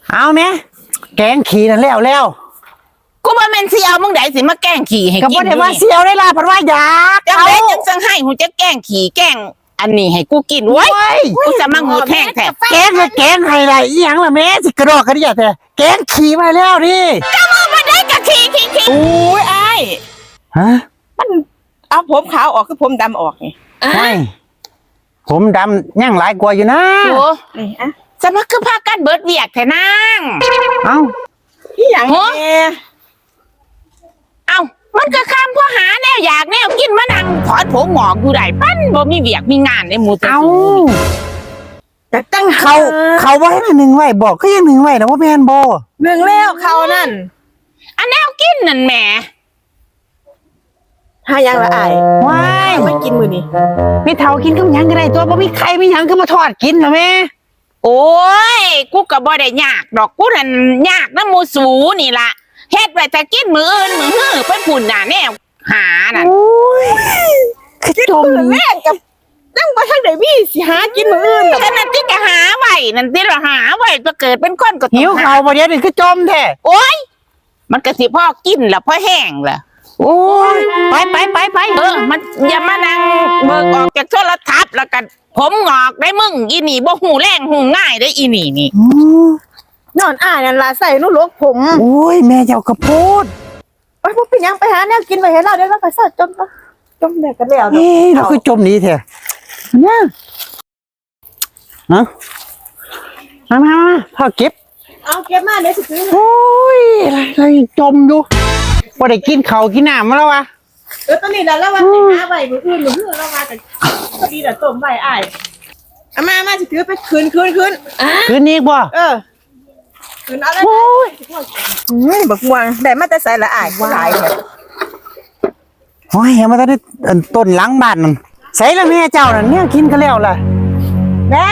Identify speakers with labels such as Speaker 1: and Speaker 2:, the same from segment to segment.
Speaker 1: เอาแม่แกงขี่นั่นแล้ว
Speaker 2: กูบ่แม่นสิเอามึงได้สิมาแกล้งขี่ให้กิน
Speaker 1: ก็บ่ได้ว่าเสียวได้ล่ะเพราะว่าอยาก
Speaker 2: จังได๋จังสั่งให้หูจะแกล้งขี่แกล้งอันนี้ให้กูกินไว้กูจะมางูแท่งแท้
Speaker 1: แกงก็แกงให้ล่ะอีหยังล่ะแม่สิกระดอกกระเดียแท้แกงขี่มาแล้วนี่
Speaker 2: ก็มึงบ่ได้ก็ขี่
Speaker 3: อุ้ยไอ้
Speaker 1: ฮะ
Speaker 3: มันเอาผมขาวออกคือผมดำออกไง
Speaker 1: ไม่ผมดำยังหลายกว่าอยู่นะ
Speaker 2: โอ้
Speaker 3: นี่อ่ะ
Speaker 2: จะมาคือพากันเบิดเวียกแท้นาง
Speaker 1: เอ้า
Speaker 3: พี่หยังแม่
Speaker 2: เอ้ามันก็ข้ามพ่อหาแนวอยากแนวกินมานั่งถอนผมหงอกอยู่ได้ปั้นบ่มีเวียกมีงานในหมู่ตะ
Speaker 1: เอ้า
Speaker 3: จะตั้ง
Speaker 1: เขาบ่ให้หนึ่งไว้บอกก็ยังหนึ่งไว้นะว่าแม่นบ่
Speaker 3: เมืองแล้วเขานั่น
Speaker 2: อันแนวกินนั่นแหม
Speaker 3: หายังละไอ้
Speaker 1: ว้าย
Speaker 3: ไม่กินมือนี่
Speaker 1: มีเฒ่ากินกับหยังก็ได้ตัวบ่มีใครมีหยังก็มาทอดกินเหรอแม่
Speaker 2: โอ้ยกูก็บ่ได้ยากดอกกูนั่นยากนำหมู่สูนี่ล่ะเฮ็ดไว้แต่กินมื้ออื่นมื้อฮื้อไปพุ่นน่ะแนวหานั่น
Speaker 1: คือจม
Speaker 3: มือแรกกับตั้งไปทางไหนพี่สิหากินมืออื่นหรอ
Speaker 2: ก็นั่นที่จะหาไว้นั่นที่เราหาไว้จะเกิดเป็นคนก็ต้อง
Speaker 1: หิวเขาบ่เดี๋ยวนี้คือจมแท้
Speaker 2: โอ้ยมันก็สิพ่อกินแล้วพ่อแห้งล่ะ
Speaker 1: โอ้ยไป
Speaker 2: มันอย่ามานั่งเบิกออกจากโทรทัศน์แล้วกันผมงอกได้มึงอีนี่บ่หูแรงหูง่ายได้อีนี่นี่
Speaker 1: อืม
Speaker 3: นอนอ้ายนั่นละใส่นุ่นลกผม
Speaker 1: โอ้ยแม่เจ้ากระโพด
Speaker 3: โอ้ยพวกเป็นยังไปหาแนวกินไปให้เราเดี๋ยวเราไปสอดจมแดกกันแล้ว
Speaker 1: เอ้ยเราคือจมหนี้แท้เนี่ยฮะมาพ่อเก็บ
Speaker 3: เอาเก็บมาเดี๋ยวสิซื้อ
Speaker 1: โอ้ยอะไรจมอยู่พอได้กินเขาวกินน้ำมาแล้ววะ
Speaker 3: ตอนนี้แล้ววันสิหาใบมืออื่นมืออื่นเรามาแต่พอดีเดี๋ยวต้มใบอ้ายเอามาสิซื้อไปคืน
Speaker 1: คืนนี้บ่
Speaker 3: คืนอะไรบักม่วงได้มาแต่ใส่ละอ้ายหลายเนี่ย
Speaker 1: โอ้ยยังมาได้ต้นหลังบ้านนั่นใส่ละแม่เจ้านั่นเนี่ยกินกันแล้วล่ะ
Speaker 3: แม่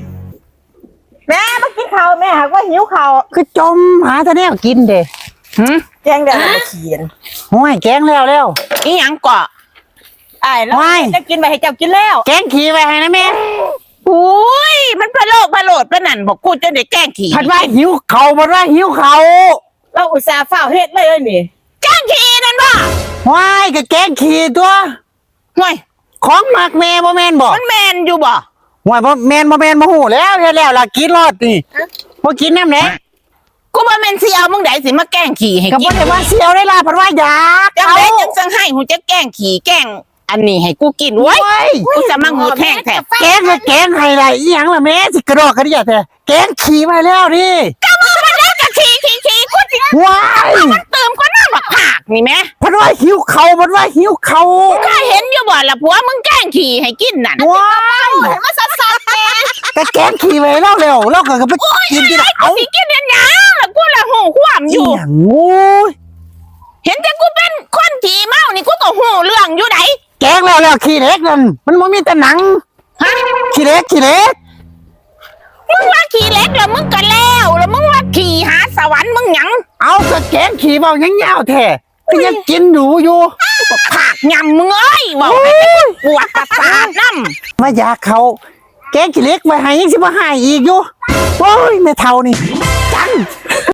Speaker 3: มากินข้าวแม่หากว่าหิวข้าว
Speaker 1: คือจมหาแต่แนวกินเด้
Speaker 2: หึ
Speaker 3: แกงแดงมาเขียน
Speaker 1: โอ้ยแกงแล้ว
Speaker 2: อีหยังเกาะ
Speaker 3: อ้ายแล้วจะกินไปให้เจ้ากินแล้ว
Speaker 1: แกงขี่ไว้ให้นะแม่
Speaker 2: อุ้ยมันพะโลกพะโลดปะนั่นบอกกูจะได้แกล้งขี่
Speaker 1: ผัดว่าหิวเขาผัดว่าหิวเขา
Speaker 3: เราอุตส่าห์เฝ้าเฮ็ดเลยนี่
Speaker 2: แกล้งขี่นั่นบ่
Speaker 1: ว้ายก็แกงขี่ตัว
Speaker 2: ห่วย
Speaker 1: ของหมักแม่บ่แม่นบ่
Speaker 2: มันแมนอยู่บ่
Speaker 1: ว้ายบ่แม่นบ่ฮู้แล้วเฮ็ดแล้วล่ะกินรอดนี่บ่กินน้ำแหน่
Speaker 2: กูบ่แม่นสิเอามึงได้สิมาแกล้งขี่ให้
Speaker 1: ก็
Speaker 2: กิ
Speaker 1: บ่
Speaker 2: น
Speaker 1: ได้ว่าเสียวได้ล่ะผัดว่าอยาก
Speaker 2: จังได๋จังสั่งให้หูจะแกล้งขี่แกล้งอันนี้ให้กูกินไว้กูจะมางูแท่งแท้
Speaker 1: แกงก็แกงให้ล่ะอีหยังล่ะแม่สิกระดอกกระเดียแท้แกงขี่มาแล้วนี่
Speaker 2: ก็มึงมันได้ก็ขี่กูสิ
Speaker 1: ว้าย
Speaker 2: มันเติมก็น้ำบักผากนี่แม่
Speaker 1: ผัดว่าหิวเขาผัดว่าหิวเขา
Speaker 2: เคยเห็นอยู่บ่ล่ะผัวมึงแกล้งขี่ให้กินนั่น
Speaker 1: ว้าย
Speaker 2: เห็นมาซัดๆแม่
Speaker 1: ก็แกงขี่ไว้แล้วแล้วก็ไปกินที่ไหน
Speaker 2: กู
Speaker 1: เอา
Speaker 2: สิกินอันหยังล่ะกูละหูความอ
Speaker 1: อี
Speaker 2: ยู่
Speaker 1: หยังโอ้ย
Speaker 2: เห็นแต่กูเป็นคนขี่เมานี่กูก็หูเรื่องอยู่ไหน
Speaker 1: แกงแล้วขี้เล็กนั่นมันบ่มีแต่หนัง
Speaker 2: ฮะ
Speaker 1: ขี้เล็ก
Speaker 2: มึงว่าขี่เล็กแล้วมึงก็แล้วมึงว่าขี่หาสวรรค์มึงหยัง
Speaker 1: เอาก็แกงขี่เบายังยาวแท้ก็ยังกินอยู่
Speaker 2: ผากยำมึงเอ้ยบอกให้แต่ปวดประสาทน้ำ
Speaker 1: มาอยากเขาแกงขี้เล็กไว้ให้ยังสิบ่ให้อีกอยู่โอ้ยแม่เฒ่านี่จัง